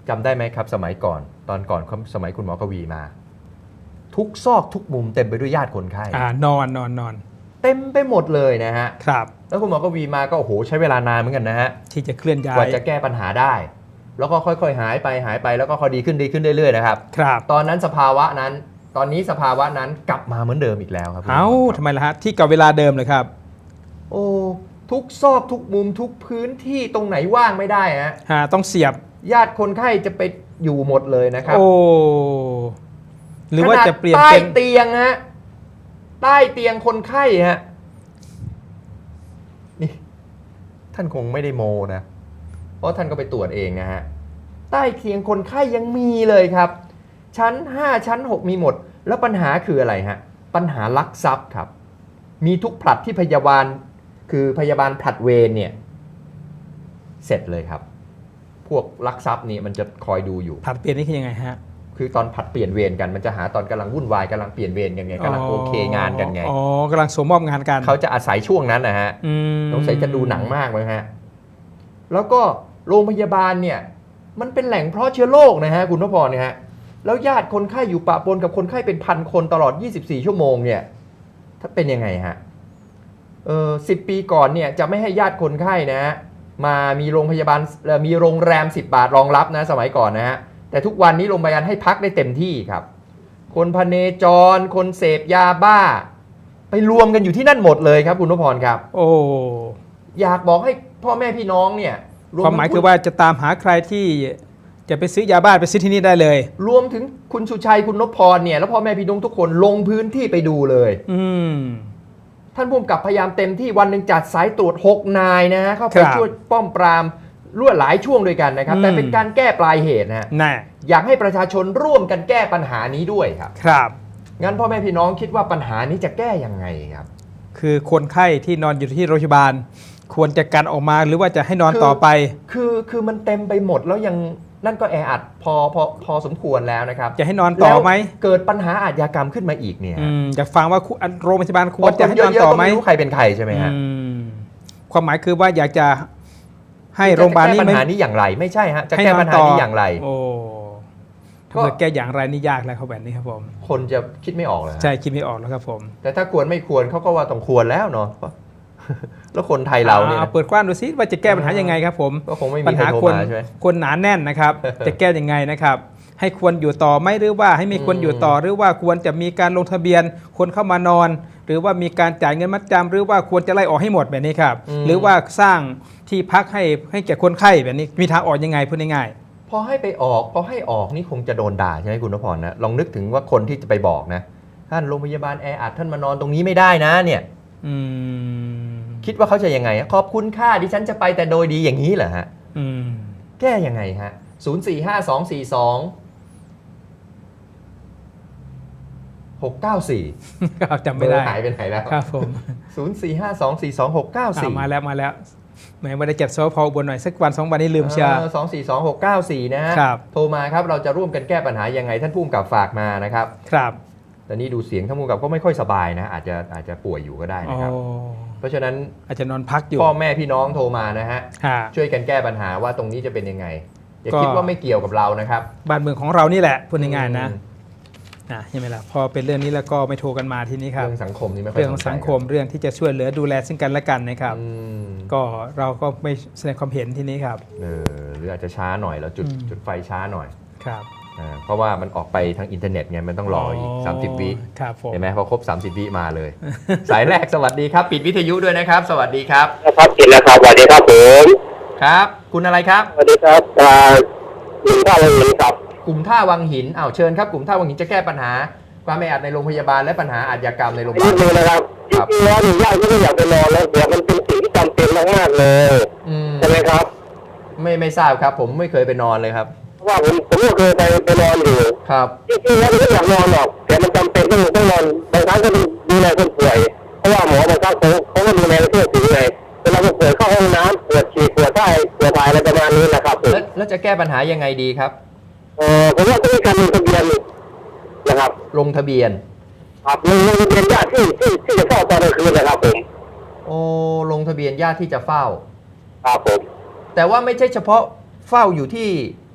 จำได้ไหมครับสมัยก่อนตอนก่อนสมัยคุณหมอกวีมา ทุกซอกทุกมุมเต็มไปด้วยญาติคนไข้นอนเต็มไปหมดเลยนะฮะครับแล้วคุณหมอกวีมาก็โอ้โหใช้เวลานานเหมือนกันนะฮะที่จะเคลื่อนย้ายกว่าจะแก้ปัญหาได้แล้วก็ค่อยๆหายไปแล้วก็ค่อยดีขึ้นเรื่อยๆนะครับครับตอนนั้นสภาวะนั้นตอนนี้สภาวะนั้นกลับมาเหมือนเดิมอีกแล้วครับทำไมล่ะฮะที่กับเวลาเดิมเลยครับโอ้ทุกซอกทุกมุมทุกพื้นที่ตรงไหนว่างไม่ได้ฮะต้องเสียบญาติคนไข้จะไปอยู่หมดเลยนะครับโอ้หรือว่าจะเปลี่ยนใต้เตียงฮะใต้เตียงคนไข้ฮะนี่ท่านคงไม่ได้โมนะเพราะท่านก็ไปตรวจเองนะฮะใต้เตียงคนไข้ยังมีเลยครับชั้น5ชั้น6มีหมดแล้วปัญหาคืออะไรฮะปัญหาลักทรัพย์ครับมีทุกผลัดที่พยาบาลคือพยาบาลผลัดเวรเนี่ยเสร็จเลยครับพวกลักทรัพย์นี่มันจะคอยดูอยู่ผลัดเปลี่ยนนี่คือยังไงฮะคือตอนผลัดเปลี่ยนเวรกันมันจะหาตอนกำลังวุ่นวายกำลังเปลี่ยนเวรกันไงกำลังโอเคงานกันไงกำลังสมมอบงานกันเขาจะอาศัยช่วงนั้นนะฮะสงสัยจะดูหนังมากเลยฮะแล้วก็โรงพยาบาลเนี่ยมันเป็นแหล่งเพาะเชื้อโรคนะฮะคุณนพพรเนี่ยฮะแล้วญาติคนไข้อยู่ปะปนกับคนไข้เป็นพันคนตลอด24ชั่วโมงเนี่ยถ้าเป็นยังไงฮะ10 ปีก่อนเนี่ยจะไม่ให้ญาติคนไข้นะฮะมามีโรงพยาบาลมีโรงแรม10 บาทรองรับนะสมัยก่อนนะฮะแต่ทุกวันนี้โรงพยาบาลให้พักได้เต็มที่ครับคนพเนจรคนเสพยาบ้าไปรวมกันอยู่ที่นั่นหมดเลยครับคุณนพพรครับโอ้อยากบอกให้พ่อแม่พี่น้องเนี่ยความหมายคือว่าจะตามหาใครที่จะไปซื้อยาบ้าไปซื้อที่นี่ได้เลยรวมถึงคุณสุชัยคุณนพพรเนี่ยแล้วพ่อแม่พี่น้องทุกคนลงพื้นที่ไปดูเลยท่านผู้กำกับพยายามเต็มที่วันหนึ่งจัดสายตรวจ6 นายนะฮะเข้าไปช่วยป้อมปรามรั่วหลายช่วงด้วยกันนะครับแต่เป็นการแก้ปลายเหตุนะฮะอยากให้ประชาชนร่วมกันแก้ปัญหานี้ด้วยครับครับงั้นพ่อแม่พี่น้องคิดว่าปัญหานี้จะแก้ยังไงครับคือคนไข้ที่นอนอยู่ที่โรงพยาบาลควรจะกันออกมาหรือว่าจะให้นอนต่อไปคือมันเต็มไปหมดแล้วยังนั่นก็แออัดพอสมควรแล้วนะครับจะให้นอนต่อไหมเกิดปัญหาอาชญากรรมขึ้นมาอีกเนี่ยอยากฟังว่าโรงพยาบาลควรจะให้นอนต่อไหมไม่รู้ใครเป็นใครใช่ไหมฮะความหมายคือว่าอยากจะให้โรงพยาบาลนี้ปัญหานี้อย่างไรไม่ใช่ฮะจะแก้ปัญหานี้อย่างไรโอ้ถ้าเกิดแก้อย่างไรนี่ยากแล้วเขาแบบนี้ครับผมคนจะคิดไม่ออกเลยใช่คิดไม่ออกแล้วครับผมแต่ถ้าควรไม่ควรเขาก็ว่าต้องควรแล้วเนาะแล้วคนไทยเราเนี่ยเปิดกว้างดูซิว่าจะแก้ปัญหายังไงครับผมก็คงไม่มีใครโทรมาใช่ไหมคนหนาแน่นนะครับจะแก้ยังไงนะครับให้ควรอยู่ต่อไหมหรือว่าให้ไม่ควรอยู่ต่อหรือว่าควรจะมีการลงทะเบียนคนเข้ามานอนหรือว่ามีการจ่ายเงินมัดจำหรือว่าควรจะไล่ออกให้หมดแบบนี้ครับหรือว่าสร้างที่พักให้แก่คนไข้แบบนี้มีทางออกยังไงพูดง่ายๆพอให้ออกนี่คงจะโดนด่าใช่ไหมคุณนพพรนะลองนึกถึงว่าคนที่จะไปบอกนะท่านโรงพยาบาลแออัดท่านมานอนตรงนี้ไม่ได้นะเนี่ยคิดว่าเขาจะยังไงขอบคุณค่าดิฉันจะไปแต่โดยดีอย่างนี้เหรอฮะแก้ยังไงฮะ045242694 จำไม่ได้หายไปไหนแล้วครับผม 045242694 มาแล้วแหมไม่ได้จัดโซฟาบนหน่อยสักวัน2 วันนี้ลืมเชียร์ 2422694นะฮะโทรมาครับเราจะร่วมกันแก้ปัญหายังไงท่านผู้กำกับฝากมานะครับครับแต่นี่ดูเสียงท่านผู้กำกับก็ไม่ค่อยสบายนะอาจจะป่วยอยู่ก็ได้นะครับเพราะฉะนั้นอาจจะนอนพักอยู่พ่อแม่พี่น้องโทรมานะฮะช่วยกันแก้ปัญหาว่าตรงนี้จะเป็นยังไงอย่าคิดว่าไม่เกี่ยวกับเรานะครับบ้านเมืองของเรานี่แหละพูดง่ายๆนะใช่ไหมล่ะพอเป็นเรื่องนี้แล้วก็ไม่โทรกันมาที่นี้ครับเรื่องสังคมนี่ไม่ค่อยเรื่องสังคมเรื่องที่จะช่วยเหลือดูแลซึ่งกันและกันนะครับก็เราก็ไม่แสดงความเห็นที่นี้ครับหรืออาจจะช้าหน่อยแล้วจุดไฟช้าหน่อยครับเพราะว่ามันออกไปทางอินเทอร์เน็ตไงมันต้องรออีก30 วิเห็นไหมพอครบ30 วิมาเลยสายแรกสวัสดีครับปิดวิทยุด้วยนะครับสวัสดีครับครับปิดแล้วครับสวัสดีครับผมครับคุณอะไรครับสวัสดีครับกลุ่มท่าวังหินครับกลุ่มท่าวังหินเชิญครับกลุ่มท่าวังหินจะแก้ปัญหาความแออัดในโรงพยาบาลและปัญหาอาชญากรรมในโรงพยาบาลนี่นะครับจริงๆแล้วญาติก็ไม่อยากไปนอนแล้วเดี๋ยวมันเป็นสิ่งที่จำเป็นมากๆเลยใช่ไหมครับไม่ทราบครับผมไม่เคยไปนอนเลยครับว่าผมก็เคยไปนอนอยู่ครับจริงๆแล้วไม่อยากนอนหรอกแต่มันจำเป็นต้องนอนบางครั้งก็ดูแลคนป่วยเพราะว่าหมอบางครั้งเขาก็ดูแลเพื่อถึงไงเวลาคนป่วยเข้าห้องน้ำปวดฉี่ปวดไส้ปวดถ่ายอะไรประมาณนี้นะครับแล้วจะแก้ปัญหายังไงดีครับผมว่าต้องมีการลงทะเบียนนะครับลงทะเบียนครับลงทะเบียนญาติที่จะเฝ้าตอนกลางคืนนะครับผมลงทะเบียนญาติที่จะเฝ้าครับผมแต่ว่าไม่ใช่เฉพาะเฝ้าอยู่ที่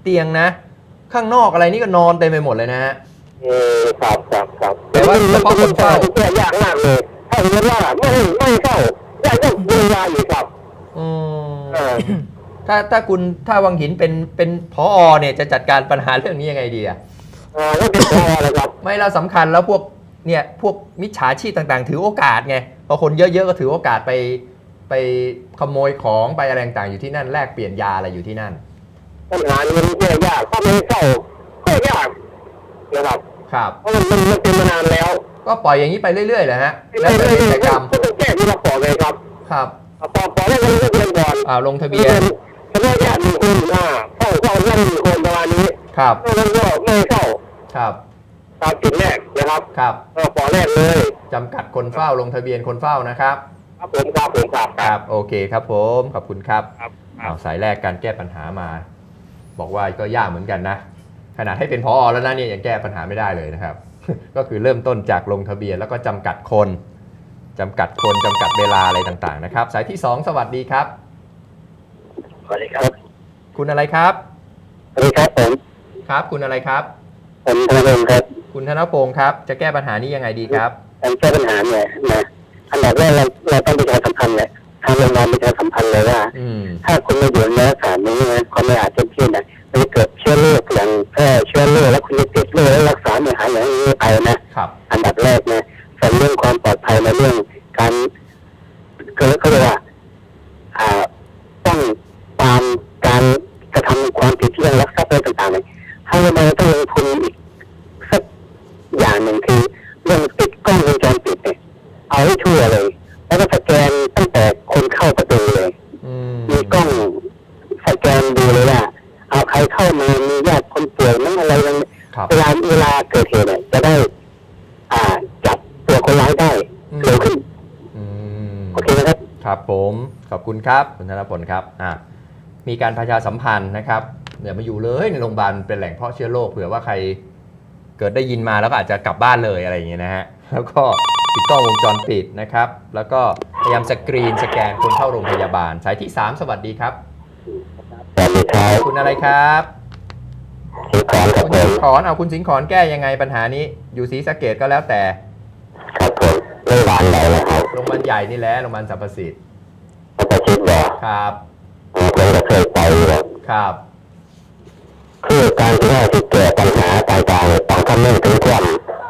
เตียงนะ ข้างนอกอะไรนี่ก็นอนเต็มไปหมดเลยนะฮะครับแต่ว่าเฉพาะคนเฝ้าแก้ยากมากเลยถ้าเห็นว่าไม่เข้ายากต้องดูแลอยู่ครับอืมเออถ้าวังหินเป็นผอเนี่ยจะจัดการปัญหาเรื่องนี้ยังไงดีอะแล้วเป็นพอเลยครับไม่แล้วสำคัญแล้วพวกมิจฉาชีพต่างๆ ถือโอกาสไงพอคนเยอะๆก็ถือโอกาสไปขโมยของไปอะไรต่างๆอยู่ที่นั่นแลกเปลี่ยนยาอะไรอยู่ที่นั่นปัญหานี้มันแก้ยากถ้าไม่เข้าก็ยากนะครับครับเพราะมันเป็นมานานแล้วก็ปล่อยอย่างนี้ไปเรื่อยๆแหละฮะแล้วแต่กิจกรรมก็ต้องแก้ที่เราขอเลยครับครับขอได้ก็ต้องเรียนก่อนลงทะเบียนเฉพาะญาติ1 คนเข้าแค่1 คนประมาณนี้ครับแล้วก็ไม่เข้าครับตามจุดแรกนะครับครับขอแรกเลยจำกัดคนเฝ้าลงทะเบียนคนเฝ้านะครับครับผมครับครับโอเคครับผมขอบคุณครับครับสายแรกการแก้ปัญหามา บอกว่าก็ยากเหมือนกันนะขนาดให้เป็นผอแล้วนะเนี่ยยังแก้ปัญหาไม่ได้เลยนะครับ ก็คือเริ่มต้นจากลงทะเบียนแล้วก็จำกัดคนจำกัดเวลาอะไรต่างๆนะครับ สายที่ 2 สวัสดีครับสวัสดีครับคุณอะไรครับสวัสดีครับผมครับคุณอะไรครับผมธนพงศ์ครับคุณธนพงศ์ครับจะแก้ปัญหานี้ยังไงดีครับการแก้ปัญหาเนี่ยนะอันดับแรกเราต้องประชาสัมพันธ์เลยทางโรงพยาบาลประชาสัมพันธ์เลยว่าอืมถ้าคุณไม่อยู่ในสถานนี้นะความไม่อาจเต็มที่นะมันจะเกิดเชื้อโรคอย่างแพร่เชื้อโรคแล้วคุณจะติดโรคแล้วรักษาไม่หายอย่างนี้ไปนะครับ อันดับแรกนะส่วนเรื่องความปลอดภัยในเรื่องการเขาเรียกว่าต้องตามการกระทำความผิดเรื่องลักทรัพย์อะไรต่างๆเนี่ยให้มันต้องลงทุนอีกสักอย่างหนึ่งคือเรื่องติดกล้องวงจรปิดเนี่ยเอาให้ทั่วเลย แล้วก็สแกนตั้งแต่คนเข้าประตูเลยอืมมีกล้องสแกนดูเลยว่าเอาใครเข้ามามีญาติคนป่วยนั่นอะไรนั่นครับเวลาเกิดเหตุเนี่ยจะได้จับตัวคนร้ายได้เร็วขึ้นอืมโอเคนะครับครับผมขอบคุณครับคุณธนพลครับมีการประชาสัมพันธ์นะครับอย่ามาอยู่เลยในโรงพยาบาลเป็นแหล่งเพาะเชื้อโรคเผื่อว่าใครเกิดได้ยินมาแล้วก็อาจจะกลับบ้านเลยอะไรอย่างเงี้ยนะฮะแล้วก็ติดกล้องวงจรปิดนะครับแล้วก็พยายามสกรีนสแกนคนเข้าโรงพยาบาลสายที่ 3 สวัสดีครับสวัสดีครับคุณอะไรครับสิงขอนครับคุณผสิมงขอนคุณสิงขอนแก้ยังไงปัญหานี้อยู่ศรีสะเกษก็แล้วแต่ครับผมโรงพยาบาลไหนนะครับโรงพยาบาลใหญ่นี่แหละโรงพยาบาลสรรพสิทธิ์เขาจะคิดว่าครับผมก็เคยไปแบบครับคือการที่ว่าที่เกิดปัญหาต่างๆต้องคำนึงถึงความ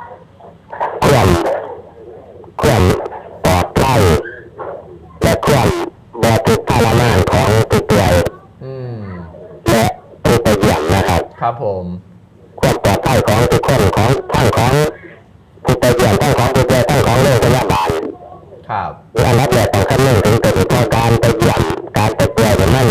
ปลอดภัยและความบริสุทธิ์ทรมานของผู้ป่วยอืมและผู้ไปเยี่ยมนะครับครับผมความปลอดภัยของทุกคนของทั้งของผู้ไปเยี่ยมทั้งของผู้ป่วยทั้งของโรงพยาบาลครับอันดับแรกต้องคำนึงถึงตัวที่ต้องการไปเยี่ยมการไปป่วยมัน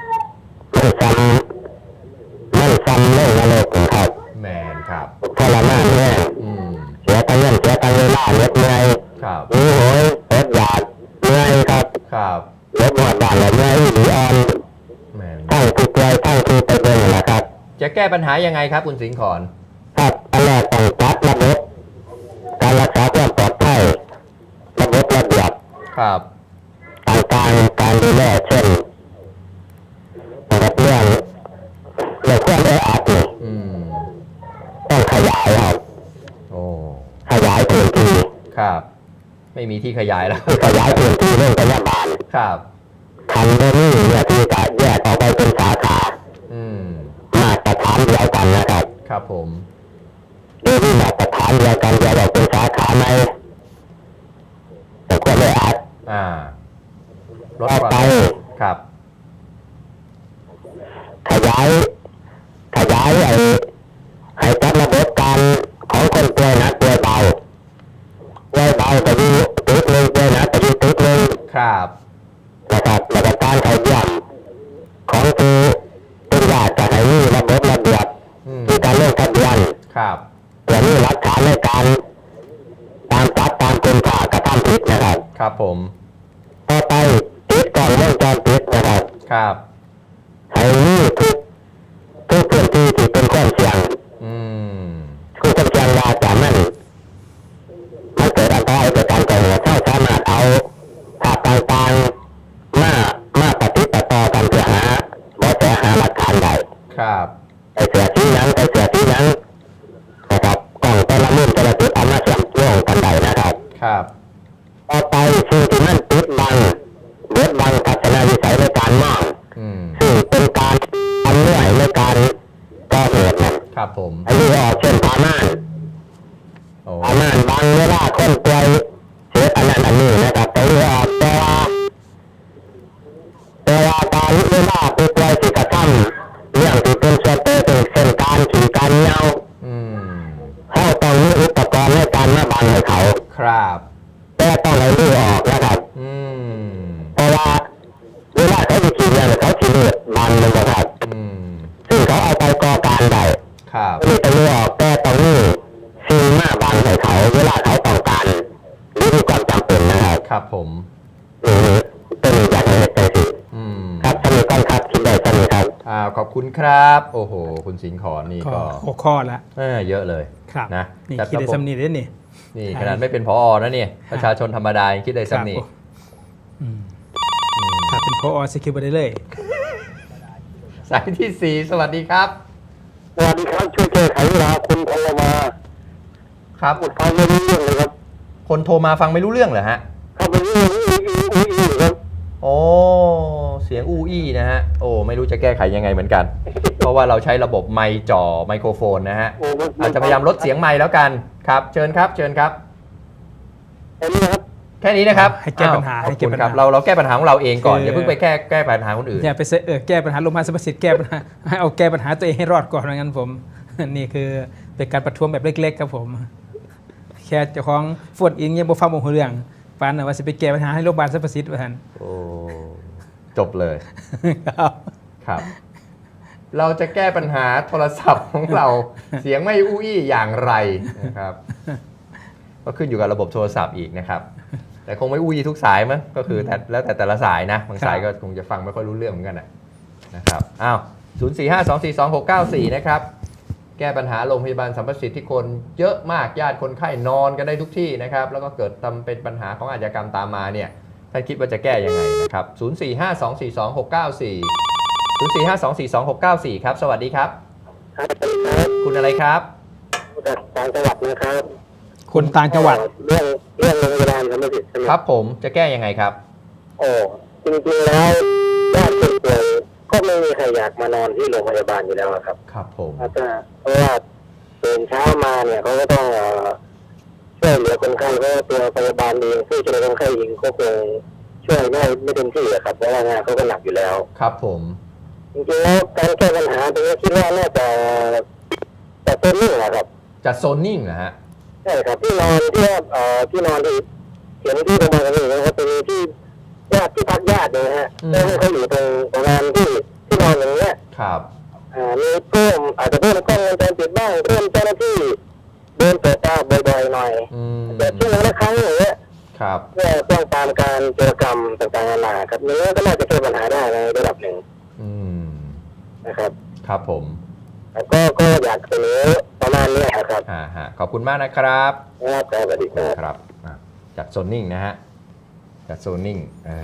ซ้ำเรื่องนรกครับแมนครับทรมานแน่อืมเสียตังเงินเสียตังเวลาเหน็ดเหนื่อยครับหิวโหยอดอยากเหนื่อยครับครับรถหอดบ้านแล้วเหนื่อยหรืออ่อนแมนทั้งผู้ป่วยทั้งผู้ไปเบิ่งนะครับจะแก้ปัญหายังไงครับคุณสิงขอนครับอันแรกต้องจัดระบบการรักษาความปลอดภัยระบบระเบียบครับต่างๆการดูแลเช่นนะครับเรื่องความแออัดนี่อืมต้องขยายครับโอ้ขยายพื้นที่ครับ ไม่มีที่ขยายแล้วขยายพื้นที่โรงพยาบาลครับคันเบอร์นี่เนี่ยที่จะแยกออกไปเป็นสาขาอืมมาตรฐานเดียวกันนะครับครับผมโดยที่มาตรฐานเดียวกันแยกออกเป็นสาขาในแต่ก็ไม่อาจลดต่อความไปครับขยายให้จัดระบบการของคนป่วยหนักป่วยเบาจะอยู่ตึกหนึ่งป่วยหนักจะอยู่ตึกหนึ่งครับนะครับแล้วก็การเข้าเยี่ยมของผู้เป็นญาติจะให้มีระบบระเบียบอืมที่การลงทะเบียนครับเพื่อมีหลักฐานในการตามจับตามกลุ่มข่ากระทำผิดนะครับครับผมต่อไปติดกล้องวงจรปิดนะครับครับให้มีทุกพื้นที่ที่เป็นความเสี่ยงอืมคือความเสี่ยงว่าจะมันเกิดอันตรายเกิดการก่อเหตุเขาสามารถเอาภาพต่างๆมาปฏิบัติต่อกันเพื่อหาเบาะแสหาหลักฐานได้ครับยังใส่เสื้อสียังนะครับกล่องแต่ละรุ่นแต่ละจุดเอามาเชื่อมโยงกันได้นะครับครับต่อไปสิ่งที่มันปิดบังเบิดบังทัศนวิสัยในการมองอืมซึ่งเป็นการทำเนื่อยในการก่อเหตุนั้นครับผมอันนี้ออกเช่นพาม่านโอ้พาม่านบางเวลาคนป่วยเสียอันนั้นอันนี้นะครับแต่เรือออกแต่ว่าการเวลาผู้ป่วยที่กระทำเรื่องที่เป็นส่วนเกิดเช่นการขี่การเหงาอืมเขาต้องมีอุปกรณ์ในการมาบังให้เขาครับแต่ต้องให้เรือออกนะครับอืมเพราะว่าเวลาเขาจะขี่เนี่ยเขาขี่เลือดบังมันนะครับอืมซึ่งเขาเอาไปก่อการได้ครับนี่เป็นเรือออกแต่ต้องมีสิ่งมาบังให้เขาเวลาเขาต้องการหรือมีความจำเป็นนะครับครับผมเป็นอย่างนี้ใจสิอืมครับสนุกกันครับคิดได้สนุกครับขอบคุณครับ โอ้โห คุณสิงห์ขอนนี่ก็ก็หกข้อละเยอะเลยครับนะนี่จัดคิดได้ระบบสำนีได้นี่นี่ใช่ขนาดไม่เป็นพอนะเนี่ยประชาชนธรรมดายังคิดได้ซ้ำนี่ครับอืมถ้าเป็นพอสกิลไปได้เลยสายที่ 4 สวัสดีครับสวัสดีครับช่วยแก้ไขเวลาคุณโทรมาครับฟังไม่รู้เรื่องเลยครับคนโทรมาฟังไม่รู้เรื่องเหรอฮะเข้าไปนี่อุ้ยครับโอ้เสียงอู้อี้นะฮะ โอ้ไม่รู้จะแก้ไขยังไงเหมือนกัน เพราะว่าเราใช้ระบบไมค์จ่อไมโครโฟนนะฮะ อาจจะพยายามลดเสียงไมค์แล้วกันครับ เชิญครับ เชิญครับอันนี้ครับแค่นี้นะครับให้แก้ปัญหาอ้วให้แก้ปัญหาขอบคุณครับเราแก้ปัญหาของเราเองก่อนคือออย่าเพิ่งไปแก้ปัญหาคนอื่นอย่าไปแก้ปัญหาลงมาลสมสิทธิ์แก้ปัญหาให้เอาแก้ปัญหาตัวเองให้รอดก่อนว่างั้นผม นี่คือเป็นการประท้วงแบบเล็กๆครับผม แค่เจ้าของฝนอิงยังบ่ฟังบ่ฮู้เรื่องปานน่ะว่าสิไปแก้ปัญหาให้โรงพยาบาลสรรพสิทธิ์ว่าซั่นโอ้จบเลยครับครับ เราจะแก้ปัญหาโทรศัพท์ของเรา เสียงไม่อู้อี้อย่างไรนะครับ ก็ขึ้นอยู่กับระบบโทรศัพท์อีกนะครับ แต่คงไม่อู้ยี่ทุกสายมั้งก็คือแล้วแต่ละสายนะบางสายก็คงจะฟังไม่ค่อยรู้เรื่องเหมือนกันนะครับอ้าว0452422694นะครับ แก้ปัญหาโรงพยาบาลสัมประสิทธิ์ที่คนเยอะมากญาติคนไข้นอนกันได้ทุกที่นะครับ แล้วก็เกิดทำเป็นปัญหาของอาชญากรรมตามมาเนี่ยท่านคิดว่าจะแก้ยังไงนะครับ0452422694 ครับ สวัสดีครับครับสวัสดีครับคุณอะไรครับจากต่างจังหวัดนะครับคนต่างจังหวัดเรื่องโรงพยาบาลสมเด็จครับผมจะแก้ยังไงครับโอ้จริงๆแล้วญาติคนป่วยก็ไม่มีใครอยากมานอนที่โรงพยาบาลอยู่แล้วครับครับผมเพราะว่าตื่นเช้ามาเนี่ยเขาก็ต้องช่วยเหลือคนไข้เพราะว่าตัวพยาบาลเองผู้ช่วยคนไข้เองก็คงช่วยได้ไม่เต็มที่อะครับเพราะว่างานเขาก็หนักอยู่แล้วครับผมจริงๆแล้วการแก้ปัญหาตรงนี้คิดว่าน่าจะเป็นเรื่องนะครับจัดโซนนิ่งนะฮะใช่ครับที่นอนที่ว่าที่นอนที่เขียนที่โรงพยาบาลกันอยู่นะครับเป็นที่ญาติที่พักญาติเนี่ยนะฮะแล้วให้เขาอยู่ตรงประมาณที่นอนอย่างเงี้ยครับมีเพิ่มอาจจะเพิ่มกล้องวงจรปิดบ้างเพิ่มเจ้าหน้าที่เดินตรวจตาบ่อยๆหน่อยอืมแต่ช่วงละครั้งอย่างเงี้ยครับเพื่อป้องกันการโจรกรรมต่างๆนานาครับนี้ก็น่าจะแก้ปัญหาได้ในระดับหนึ่งอืมนะครับครับผมแล้วก็อยากเสนอประมาณนี้ครับฮะขอบคุณมากนะครับครับสวัสดีครับครับจัดโซนนิ่งนะฮะจัดโซนนิ่ง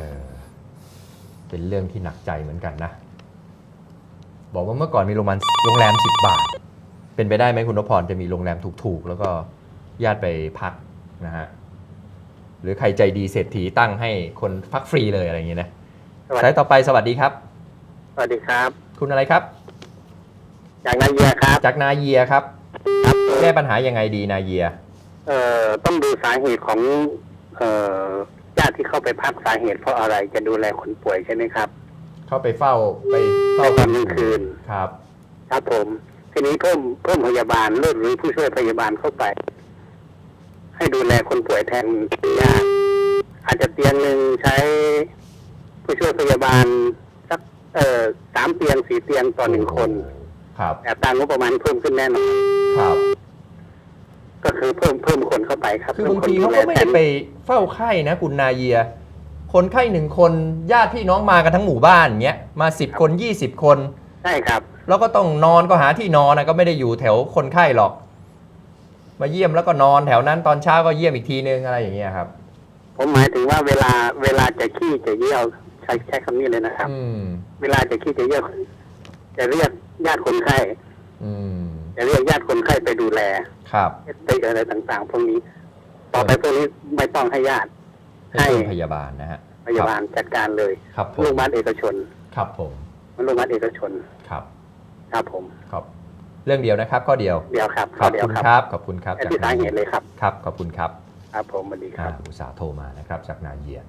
เป็นเรื่องที่หนักใจเหมือนกันนะ บอกว่าเมื่อก่อนมีโรงแรม10 บาท เป็นไปได้ไหมคุณนพพรจะมีโรงแรมถูกๆ แล้วก็ญาติไปพักนะฮะหรือใครใจดีเศรษฐีตั้งให้คนพักฟรีเลยอะไรอย่างเงี้ยนะสายต่อไปสวัสดีครับสวัสดีครับคุณอะไรครับจากนาเยียครับจากนาเยียครับแก้ปัญหายังไงดีนาเยียต้องดูสาเหตุของญาติที่เข้าไปพักสาเหตุเพราะอะไรจะดูแลคนป่วยใช่ไหมครับเข้าไปเฝ้าในตอนกลางคืนครับครับผมทีนี้เพิ่มพยาบาลหรือผู้ช่วยพยาบาลเข้าไป ให้ดูแลคนป่วยแทนญาติอาจจะเตียงหนึ่งใช้ผู้ช่วยพยาบาลสัก3 เตียง 4 เตียงต่อ1 คนครับแต่ตามงบประมาณเพิ่มขึ้นแน่นอนครับก็คือเพิ่มคนเข้าไปครับคือบางทีเขาก็ไม่ได้ไปเฝ้าไข้นะคุณนาเยีย คนไข้1 คนญาติพี่น้องมากันทั้งหมู่บ้านเงี้ยมา10 คน20 คนใช่ครับแล้วก็ต้องนอนก็หาที่นอนนะก็ไม่ได้อยู่แถวคนไข้หรอก มาเยี่ยมแล้วก็นอนแถวนั้นตอนเช้าก็เยี่ยมอีกทีนึงอะไรอย่างเงี้ยครับผมหมายถึงว่าเวลาจะขี้จะเยี่ยวใช้คำนี้เลยนะครับอืมเวลาจะขี้จะเยี่ยวจะเรียกญาติคนไข้อืมจะเรียกญาติคนไข้ไปดูแลครับไปอะไรต่างๆพวกนี้ ต่อไปพวกนี้ไม่ต้องให้ญาติให้โรงพยาบาลนะฮะพยาบาลจัดการเลยครับผมโรงพยาบาลเอกชนครับผมโรงพยาบาลเอกชนครับครับผมครับเรื่องเดียวนะครับข้อเดียวเดียวครับขอบเดียคุวณครับครับขอบคุณครับไอ้ที่สาเหตุเลยครับครับขอบคุณครับครับผมสวัสดีครับอุตสาห์โทรมานะครับจากนาเยีย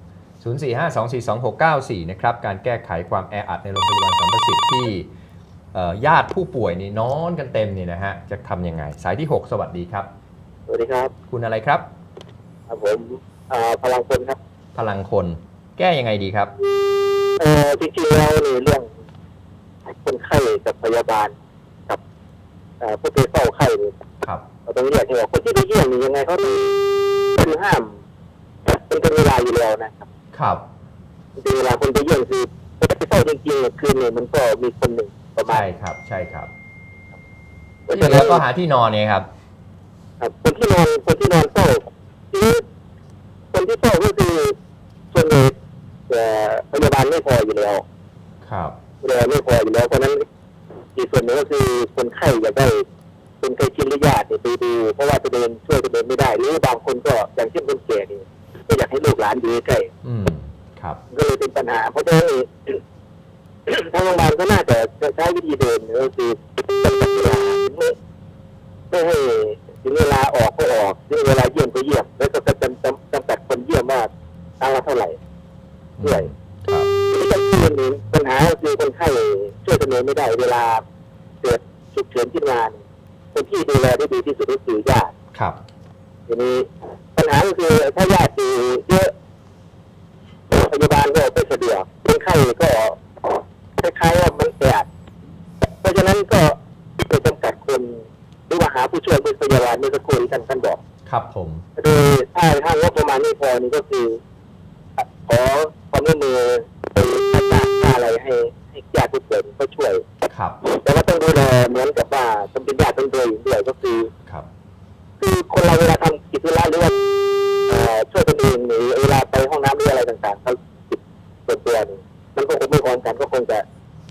0452426694 นะครับการแก้ไขความแออัดในโรงพยาบาลสัมประสิทธิ์ที่ญาติผู้ป่วยนี่นอนกันเต็มนี่นะฮะจะทำยังไงสายที่ 6 สวัสดีครับสวัสดีครับคุณอะไรครับครับผมพลังคนครับพลังคนแก้ยังไงดีครับจริงๆแล้วในเรื่องคนไข้กับพยาบาลกับผู้ที่เฝ้าไข้เนี่ยครับเราต้องเรียกให้ว่าคนที่ไปเยี่ยมนี่ยังไงเขาต้องคือห้ามเป็นเวลาอยู่แล้วนะครับครับเป็นเวลาคนไปเยี่ยมคือคนที่เฝ้าจริงๆเนี่ยคืนเนี่ยมันก็มีคนหนึ่งประมาณใช่ครับใช่ครับที่เหลือก็หาที่นอนเนี่ยครับครับคนที่นอนเฝ้าทีนี้คนที่เฝ้าก็คือส่วนใหญ่พยาบาลไม่พออยู่แล้วครับไม่พออยู่แล้วเพราะนั้นอีกส่วนหนึ่งก็คือคนไข้อยากได้คนไข้ชินหรือญาติเนี่ยไปดูเพราะว่าตัวเองช่วยตัวเองไม่ได้หรือบางคนก็อย่างเช่นคนแก่นี่ก็อยากให้ลูกหลานอยู่ใกล้ครับก็เลยเป็นปัญหาเพราะฉะนั้นทางโรงพยาบาลก็น่าจะใช้วิธีเดิมก็คือจำกัดเวลาไม่ให้ถึงเวลาออกก็ออกถึงเวลาเยี่ยมก็เยี่ยมแล้วก็จำกัดคนเยี่ยมว่าครั้งละเท่าไหร่ด้วยครับปัญหาคือคนไข้ช่วยตัวเองไม่ได้เวลาเกิดฉุกเฉินขึ้นมาคนที่ดูแลได้ดีที่สุดก็คือญาติครับทีนี้ปัญหาก็คือถ้าญาติอยู่เยอะพยาบาลก็ไม่สะดวกคนไข้ก็คล้ายๆว่ามันแออัดเพราะฉะนั้นก็ไปจำกัดคนหรือว่าหาผู้ช่วยเป็นพยาบาลในสักคนท่านบอกครับผมโดยถ้างบประมาณไม่พอนี่ก็คือขอความร่วมมือค่าอะไรให้ญาติผู้ป่วยเขาช่วยครับแต่ว่าต้องดูแลเหมือนกับว่าต้องเป็นญาติต้องดูอยู่ด้วยก็คือครับคือคนเราเวลาทำกิจธุระหรือว่าช่วยตัวเองหรือเวลาไปห้องน้ำหรืออะไรต่างๆเขาจิตส่วนตัวนี่มันก็คงไม่พร้อมกันก็คงจะ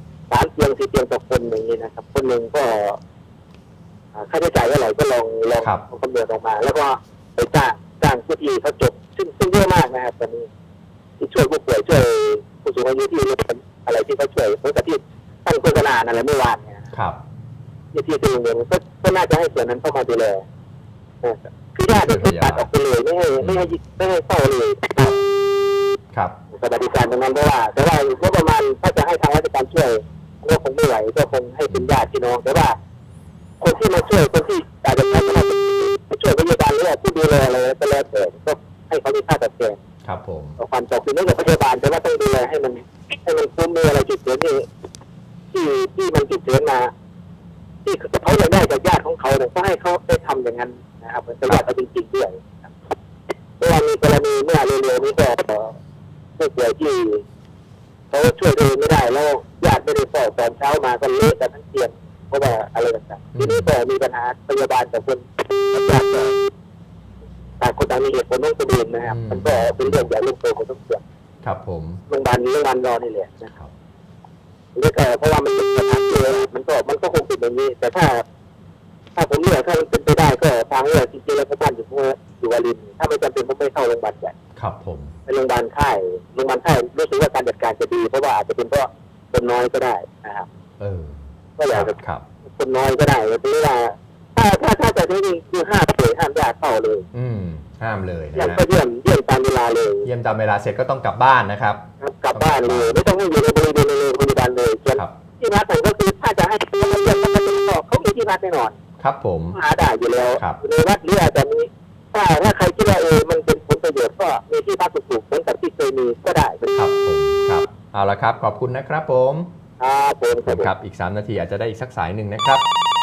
3 เตียง 4 เตียงต่อคนอย่างนี้นะครับคนหนึ่งก็ค่าใช้จ่ายเท่าไหร่ก็ลองคำนวณออกมา แล้วก็ไปจ้างผู้ที่เขาจบซึ่งเยอะมากนะครับตอนนี้ที่ช่วยผู้ป่วยช่วยผู้สูงอายุที่อะไรที่เขาช่วยเหมือนกับที่ตั้งโฆษณาอะไรเมื่อวานเนี่ยครับที่เป็นโรงเรียนก็น่าจะให้ส่วนนั้นเข้ามาดูแลคือญาติตัดออกไปเลยไม่ให้เข้าเลยครับสวัสดิการตรงนั้นเพราะว่าแต่ว่าก็ประมาณถ้าจะให้ทางราชการช่วยก็คงไม่ไหวก็คงให้เป็นญาติพี่น้องแต่ว่าคนที่มาช่วยคนที่อาจจะช่วยพยาบาลหรือผู้ดูแลอะไรก็แล้วแต่ก็ให้เขามีค่าตอบแทนครับผมความจำเป็นไม่กับพยาบาลแต่ว่าต้องดูแลให้มันคุ้มมีอะไรจุดเสียที่มันจุดเสียมาที่เขาอยากได้จากญาติของเขาเนี่ยก็ให้เขาได้ทำอย่างนั้นนะครับเป็นญาติเขาจริงๆด้วยเพราะว่ามีกรณีเมื่อเร็วๆนี้ก็ผู้ป่วยที่เขาช่วยตัวเองไม่ได้แล้วญาติไม่ได้สอบตอนเช้ามาก็เละกันทั้งเตียงเพราะว่าอะไรต่างๆทีนี้ก็มีปัญหาพยาบาลกับคนญาติต่างคนต่างมีเหตุผลต้องตัวเองนะครับมันก็เป็นเรื่องใหญ่เรื่องโตของทุกส่วนครับผมโรงพยาบาลรอนี่แหละนะครับนี่ก็เพราะว่ามันเป็นปัญหาเยอะมันก็คงเป็นอย่างนี้แต่ถ้าผมเลือกถ้ามันเป็นไปได้ก็ทางเลือกจริงๆแล้วก็บ้านอยู่วารินถ้าไม่จำเป็นผมไม่เข้าโรงพยาบาลใหญ่ครับผมเป็นโรงพยาบาลค่ายรู้สึกว่าการจัดการจะดีเพราะว่าอาจจะเป็นเพราะคนน้อยก็ได้นะครับก็อยากจะครับคนน้อยก็ได้แต่ว่าถ้าจะจริงๆคือห้ามญาติเข้าเลยห้ามเลยนะยังฮะก็เยี่ยมตามเวลาเลยเยี่ยมตามเวลาเสร็จก็ต้องกลับบ้านนะครับกลับบ้านเลยไม่ต้องอยู่ในบริเวณโรงพยาบาลเลยที่พักก็คือถ้าจะให้เขาเยี่ยมเขามีที่พักแน่นอนครับผมหาได้อยู่แล้วในวัดหรืออาจจะมีถ้าใครคิดว่ามันเป็นผลประโยชน์ก็มีที่พักถูกๆเหมือนกับที่เคยมีก็ได้ครับผมครับเอาละครับขอบคุณนะครับผมครับอีก3 นาทีอาจจะได้อีกสักสายหนึ่งนะครับ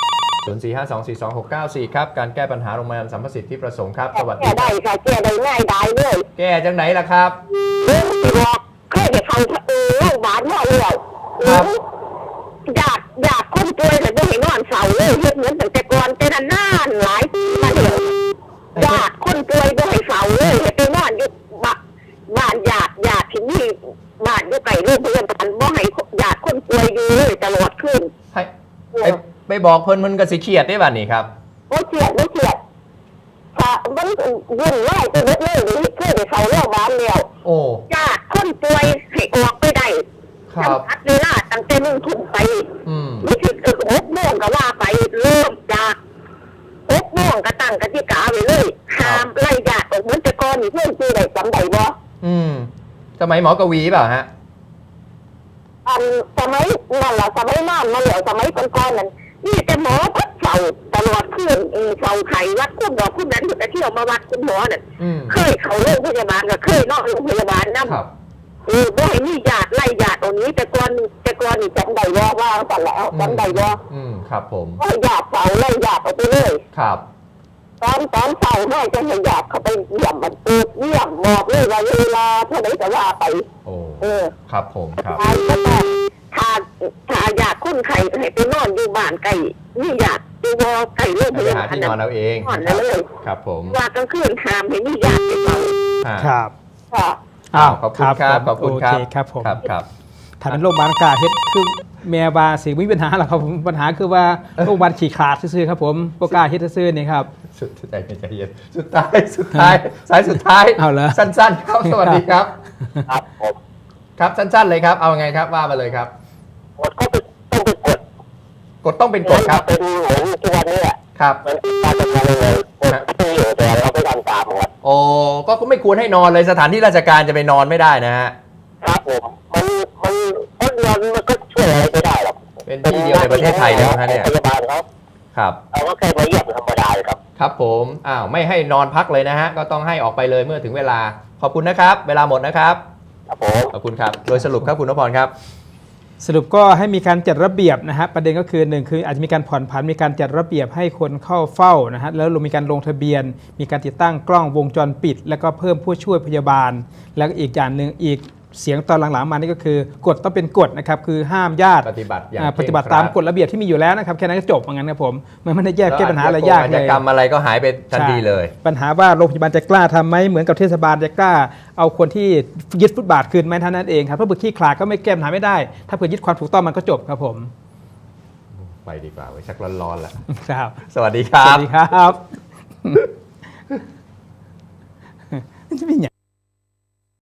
0452426694ครับการแก้ปัญหาโรงพยาบาลสัมประสิทธิ์ที่ประสงค์ครับสวัสดีแก้ได้ค่ะแก้ได้ง่ายได้เลยแก้จังไหนล่ะครับบอกเคยจะทำโรงพยาบาลมาแล้วอยากคนป่วยแต่ไม่เห็นนอนเสาเลยเหมือนแต่ก่อนแต่นานหลายปีมาเดียวอยากคนป่วยไม่ให้เสาเลยไปนอนอยู่บ้านอยากที่นี่บ้านอยู่ไกลโรงพยาบาลไม่ให้อยากคนป่วยอยู่เลยตลอดคืนไปบอกเพิ่นก็สิเครียดได้บัดนี้ครับไม่เกลียดถ้ามันวุ่นวายไปหมดเลยนี่เคยไปเข้าโรงพยาบาลแล้วโอ้ญาติคนป่วยให้ออกไปได้ครับจำกัดเวลาตั้งแต่1 ทุ่มไป ไม่ใช่6 โมงก็ว่าไปเริ่มจาก6 โมงก็ตั้งกติกาไว้เลยห้ามไล่ญาติออกเหมือนแต่ก่อนนี่เพื่อนซื้อได้จำได้บ่สมัยหมอกวีเปล่าฮะสมัยนั่นแหละสมัยนานมาแล้วสมัยก่อนๆนั้นนี่แต่หมอพัดเฝ้าตลอดคืนเฝ้าไข้วัดคุณหมอคุณนั้นแต่เที่ยวมาวัดคุณหมอน่ะเคยเข้าโรงพยาบาลก็เคยนอกโรงพยาบาลนั่นบ่ให้มีญาติไล่ญาติตรงนี้แต่ก่อนนี่จำได้ว่าสั่นแล้วจำได้ว่าครับผมญาติเฝ้าไล่ญาติออกไปเลยครับตอนเฝ้าให้จะให้ญาติเขาไปเยี่ยมมันเยี่ยมบอกเลยว่าเวลาเท่าไหร่จะว่าไปโอ้ครับผมครับถ้าอยากคนไข้ให้ไปนอนอยู่บ้านไก่นี่อยากดูวอไก่โรงพไปยาหาบาลที่นอนเอาเองนอนแล้วเลยครับผมว่ากลางคืนหามให้นี่อยากไปเฝ้าครับค่ะขอบคุณครับขอบคุณครับโอเคครับผมครับถ้าเป็นโรงพยาบาลกาเฮ็ดคือแม่บาสิมีปัญหาหรอกครับผมปัญหาคือว่าโรงพยาบาลขี้ขลาดซื่อๆครับผมโปกล้าเฮ็ดซื่อๆนี่ครับสุดใจเย็นสุดท้ายสายสุดท้ายเอาเหรอสั้นๆครับสวัสดีครับครับผมครับสั้นๆเลยครับเอาไงครับว่ามาเลยครับกดก็ต้องไปกดกฎต้องเป็นกฎครับเป็นเหมือนทุกวันนี้แหละครับมันการจะทำยังไงกดที่อยู่แต่เราไม่ทำตามครับโอ้ก็ไม่ควรให้นอนเลยสถานที่ราชการจะไปนอนไม่ได้นะฮะครับผมมันก็ช่วยอะไรไม่ได้หรอกเป็นที่เดียวในประเทศไทยแล้วนะเนี่ยพยาบาลเขาครับเราก็แค่มาเยี่ยมธรรมดาเลยครับครับผมไม่ให้นอนพักเลยนะฮะก็ต้องให้ออกไปเลยเมื่อถึงเวลาขอบคุณนะครับ เวลาหมดนะครับครับผมขอบคุณครับโดยสรุปครับคุณนพพรครับสรุปก็ให้มีการจัดระเบียบนะฮะประเด็นก็คือ1คืออาจจะมีการผ่อนผันมีการจัดระเบียบให้คนเข้าเฝ้านะฮะแล้วมีการลงทะเบียน มีการติดตั้งกล้องวงจรปิด แล้วก็เพิ่มผู้ช่วยพยาบาล แล้วก็อีกอย่างหนึ่งอีกเสียงตอนหลังๆมานี่ก็คือกฎต้องเป็นกฎนะครับคือห้ามญาติปฏิบัติอย่างปฏิบัติตามกฎระเบียบที่มีอยู่แล้วนะครับแค่นั้นก็จบเหมือนกันครับผมมันไม่ได้แยกแก้ปัญหาอะไรยากอาชเลญาย กรรมอะไรก็หายไปทันทีเลยปัญหาว่าโรงพยาบาลจะกล้าทำไหมเหมือนกับเทศบาลจะกล้าเอาคนที่ยึดฟุตบาทคืนไหมเท่านั้นเองครับเพราะเบื่อขี้ขลาดก็ไม่แก้ปัญหาไม่ได้ถ้าเผื่อยึดความถูกต้องมันก็จบครับผมไปดีกว่าไว้ชักร้อนๆแล้วครับสวัสดีครัสวับสดีครับจะเป็นอย่าง